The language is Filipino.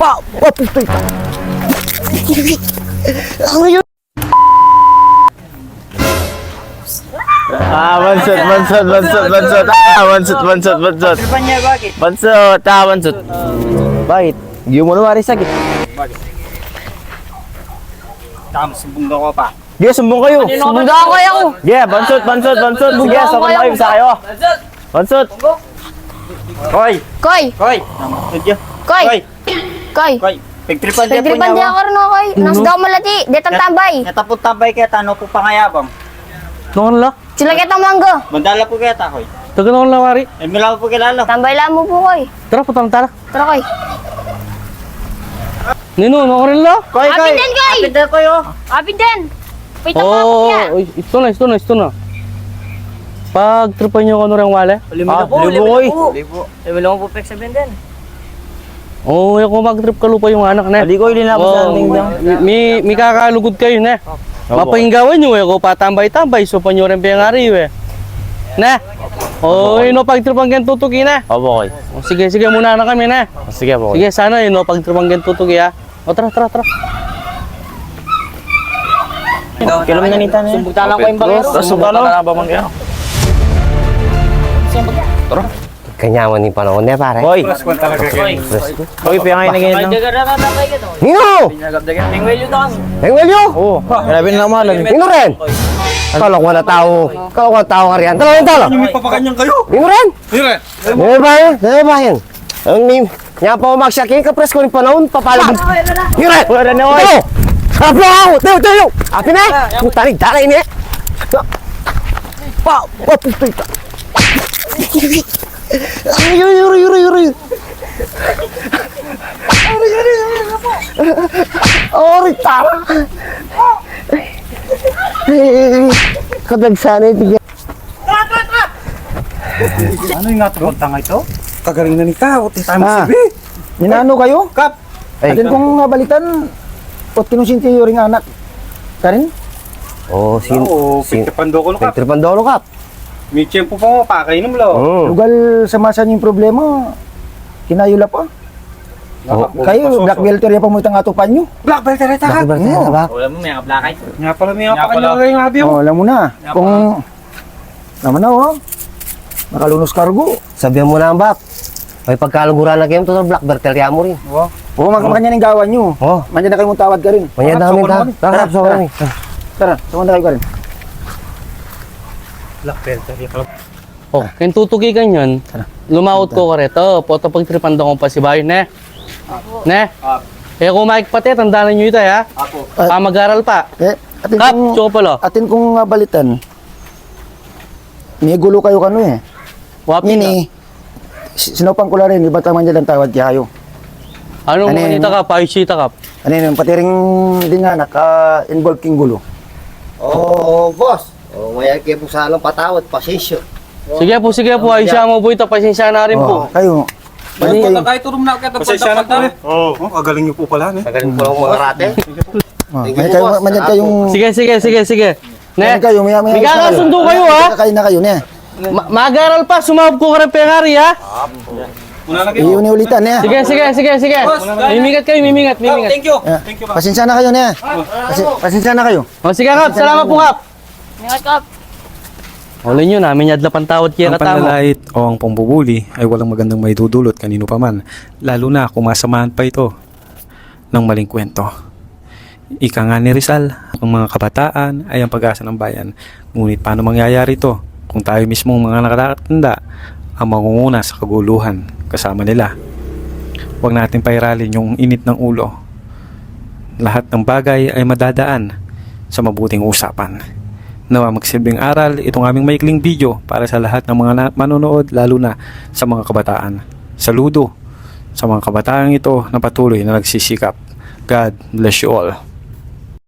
Pa! Putoy ka! Ano yun? Bansot. Tripan niya, bakit? Bansot. Bakit? Hindi mo na sakit. Bakit? Sumbong daw ko pa. Sige, sumbong kayo. Sumbong daw kayo. Sige, bansot. Sige, sakot na kayo sa kayo. Bansot. Koy. Koy. Koy. Koy. Pagtripan niya po Pagtripan niya. di ako rin koy. Nas daw malati. Detang tambay. Natapot tambay kaya tano po pangayabang. Noon la? Sila kita manggo. Mandala po kaya takoy. Taga noon la, Wari. Eh, milaw po kilala. Tambay lang mo po koy. Tara, putang tara. Tara koy. Nino, noon rin la? Koy. Apin din, Koy. Apin din koy, oh. Apin din. Pita pa ako Oo, niya. ito na. Pag tripan nyo ano rin wale? Libo koy. Libo po pek sabihin din. Oo, kung mag-trip ka lupa yung anak na. Ali koy, linapos sa ating dang. May kakalugod kayo na. Mapahinggawan nyo ko patambay-tambay. So, panyo rin piyangari na. Oo, pag-tripan gan tutuki na. Opo koy. Sige, muna na kami na. Sige po koy. Sige, sana pag-tripan gan tutuki ha. O, tara. Kailan mo nanita na yan? Sumbugta lang ko yung bagero. Sumbugta lang ba mangyari? Kanyaman ni panahon niya, pare. Koy. Koy, piyangay na ganyan. Nino! Engwelyo! Oo. Grabe na malag. Nino rin! Kala ko na tao ka riyan. Tala. May papakanyang kayo. Nino rin! Dire. Nino ba yan? Ang nim. Nga pa umaksyakin ka, pres ko ni panahon, papalag. Nino rin! Wala na koy. Ito! Harap lang ako! Tayo! Api na! Tarig dalay niya! Pa! Putoy ka! Yuri! Ori, tara! Kadagsanay tigyan. Ano yung natapot tanga ito? Kagaling na ni Kao. Tayo mo Ah. sabi. Ninano kayo? Kap. Atin kong nabalitan,ot kinusinti yung ring anak. Karin? Oo, pagkapando ko no, Kap. Tripandolo kap. May tiyempo pa mo, pakainom lo. Lugal sa masa yung problema, kinayula pa. Kayo, black belter ya pa mo itang atupan nyo. Black belt na rin Black belter na ba? Wala mo may kablakay. Nga pala may papakanyang kayo nga biyo. Oh, alam mo na. Kung, naman na oh. Nakalunos kargo. Sabihan mo na ang bak. May pagkaluguran na kayo, ito black belter ya mo rin. Oo, magkakanya ng gawan nyo. Oh, Mandiyan na kayo mong tawad ka rin. manya namin ta. Tara, so kami. Tara, sumanda kayo ka rin. Black belt na rin. Oh, kaya tutuki ka nyan. Lumaot ko ka rito. Poto pag-tripan ko pa si Bayo, ne? Ne? Eh, kung makikpati, tandaan nyo ito, ha? Mag-aral pa. Atin Kap, kong, tsoko pala. atin kong balitan. May gulo kayo kano eh. Wapi ka. Nini, sinupang ko na rin, iba taman dyan ang tawad kayo. Anong Ano yun? manita ka? Paisita ka? Ano yun, pati rin din nga, naka-involve king gulo. Oo, boss. Oh, may kayo po sa anong patawad, pasisyo. Sige po. Aisya mo po ito. Pasensya na rin po. Kayo, balik kayo. Pasensya na po eh. Oo, kagaling niyo po pala. Magaling po lang mga rate. Manyan kayong... Sige. Ne? Manyan kayo, may kasundo kayo, ha? Kayo na kayo, ne? Mag-aral pa. Sumabog ko ka rin pengari, ha? Iyon ulitan, ne? Sige. Mimingat kayo. Thank you. Pasensya na kayo, ne? Pasensya na kayo. O, sige, Kap. Salamat po, Kap. Ingat Kap. Ulin nyo, namin yadla pantawad kaya Ang katamo. panlalait o ang pambubuli ay walang magandang maidudulot kanino pa man, lalo na kung masamahan pa ito ng maling kwento. Ika nga ni Rizal, ang mga kabataan ay ang pag-asa ng bayan. Ngunit paano mangyayari ito kung tayo mismong mga nakatanda ang mangunguna sa kaguluhan kasama nila? Huwag natin pairalin yung init ng ulo. Lahat ng bagay ay madadaan sa mabuting usapan. Nawa magsilbing aral itong aming maikling video para sa lahat ng mga manonood, lalo na sa mga kabataan. Saludo sa mga kabataan ito na patuloy na nagsisikap. God bless you all.